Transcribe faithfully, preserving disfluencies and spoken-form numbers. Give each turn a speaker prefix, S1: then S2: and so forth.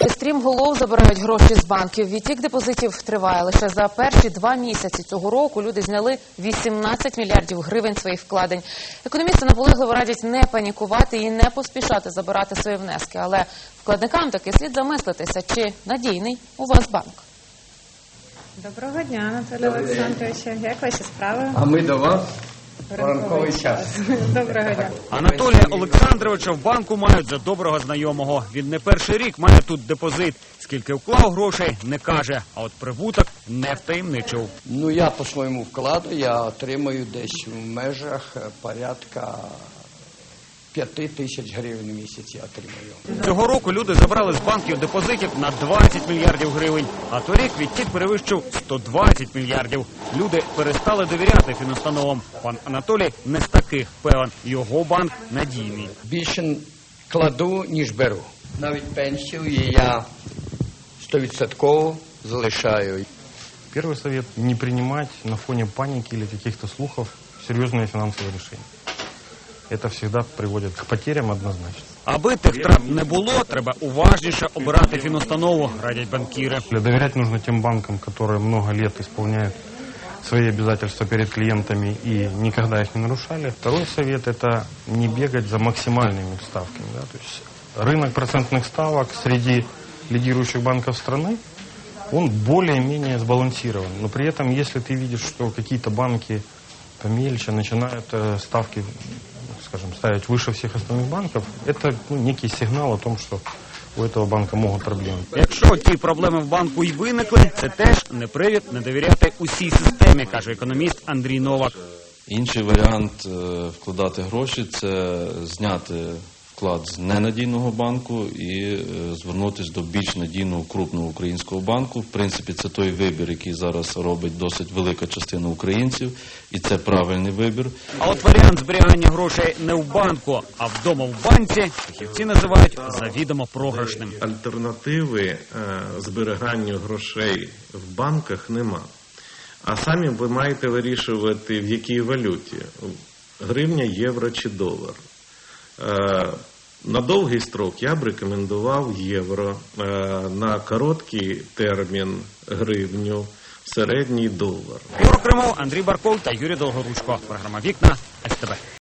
S1: Стрімголов забирають гроші з банків. Відтік депозитів триває. Лише за перші два місяці цього року люди зняли вісімнадцять мільярдів гривень своїх вкладень. Економісти наполегливо радять не панікувати і не поспішати забирати свої внески. Але вкладникам таки слід замислитися, чи надійний у вас банк.
S2: Доброго дня, Анатолій Олександровичу. Як ваші справи?
S3: А ми до вас.
S2: Ранковий час. Доброго дня.
S4: Анатолія Олександровича в банку мають за доброго знайомого. Він не перший рік має тут депозит. Скільки вклав грошей, не каже, а от прибуток не втаємничив.
S3: Ну, я по своєму вкладу, я отримую десь в межах порядка п'яти тисяч гривень в місяць я отримую.
S4: Цього року люди забрали з банків депозитів на двадцять мільярдів гривень, а торік відтік перевищив сто двадцять мільярдів. Люди перестали довіряти фінустановам. Пан Анатолій не з таких певен. Його банк надійний.
S3: Більше кладу, ніж беру. Навіть пенсію я стовідсотково залишаю.
S5: Первый совет – не принимать на фоне паники или каких-то слухов серьезные финансовые решения. Это всегда приводит к потерям однозначно.
S4: Аби тих трат не було, треба уважніше обирати фінустанову, радять банкіри.
S5: Доверять нужно тем банкам, которые много лет исполняют свои обязательства перед клиентами и никогда их не нарушали. Второй совет – это не бегать за максимальными ставками. Да? То есть рынок процентных ставок среди лидирующих банков страны, он более-менее сбалансирован. Но при этом, если ты видишь, что какие-то банки помельче начинают ставки, скажем, ставить выше всех остальных банков, это ну, некий сигнал о том, что у этого банка можуть проблеми.
S4: Якщо ті проблеми в банку й виникли, це теж не привід не довіряти усій системі, каже економіст Андрій Новак.
S6: Інший варіант вкладати гроші – це зняти вклад з ненадійного банку і звернутися до більш надійного крупного українського банку. В принципі, це той вибір, який зараз робить досить велика частина українців, і це правильний вибір.
S4: А от варіант зберігання грошей не в банку, а вдома в банці фахівці називають завідомо програшним.
S7: Альтернативи е, зберіганню грошей в банках нема. А самі ви маєте вирішувати, в якій валюті – гривня, євро чи долар. Е, На довгий строк я б рекомендував євро, на короткий термін гривню, середній долар.
S4: Ігор Кримов, Андрій Барков та Юрій Долгоручко. Програма «Вікна» ес те бе.